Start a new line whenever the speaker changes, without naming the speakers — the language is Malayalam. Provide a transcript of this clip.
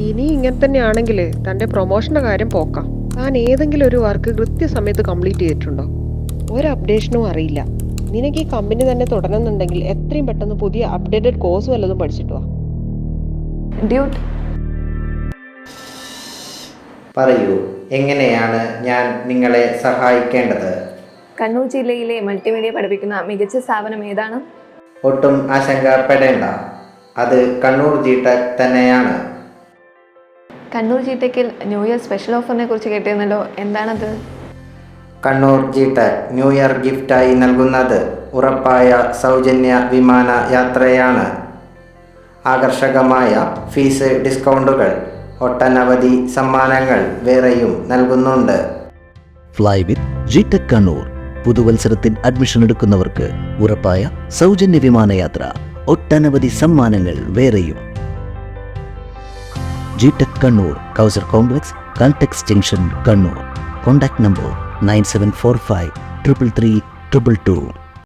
ഇനി ഇങ്ങനെ തന്നെയാണെങ്കിൽ തന്റെ പ്രൊമോഷന്റെ കാര്യം പോക്കാം. താൻ ഏതെങ്കിലും ഒരു വർക്ക് കൃത്യസമയത്ത് കംപ്ലീറ്റ് ചെയ്തിട്ടുണ്ടോ? ഒരു അപ്ഡേഷനും അറിയില്ല. നിനക്ക് ഈ കമ്പനി തന്നെ തുടരുന്നുണ്ടെങ്കിൽ എത്രയും പെട്ടെന്ന് പുതിയ അപ്ഡേറ്റഡ് കോഴ്സ് വല്ലതും പഠിച്ചിട്ട് വാ.
ഡ്യൂട്ട്,
പറയൂ, എങ്ങനെയാണ് ഞാൻ നിങ്ങളെ സഹായിക്കേണ്ടത്?
കണ്ണൂർ ജില്ലയിലെ മൾട്ടിമീഡിയ പഠിപ്പിക്കുന്ന മികച്ച സ്ഥാപനം ഏതാണ്?
ഒട്ടും ആശങ്കപ്പെടേണ്ട, അത് കണ്ണൂർ ജിടെക് തന്നെയാണ്.
കണ്ണൂർ ജിടെക്കിൽ ന്യൂ ഇയർ സ്പെഷ്യൽ ഓഫറിനെ കുറിച്ച് കേട്ടിരുന്നല്ലോ, എന്താണത്?
കണ്ണൂർ ജിടെക് ന്യൂ ഇയർ ഗിഫ്റ്റായി നൽകുന്നത് ഉറപ്പായ സൗജന്യ വിമാന യാത്രയാണ്. ആകർഷകമായ ഫീസ് ഡിസ്കൗണ്ടുകൾ, ഒട്ടനവധി സമ്മാനങ്ങൾ വേറെയും നൽകുന്നുണ്ട്.
Fly with GTEC Kannur. പുതുവത്സരത്തിൽ അഡ്മിഷൻ എടുക്കുന്നവർക്ക് ഉറപ്പായ സൗജന്യ വിമാനയാത്ര, ഒട്ടനവധി സമ്മാനങ്ങൾ വേറെയും. GTEC Kannur, Kausar complex, Caltex junction, Kannur. Contact number 9745 333 222.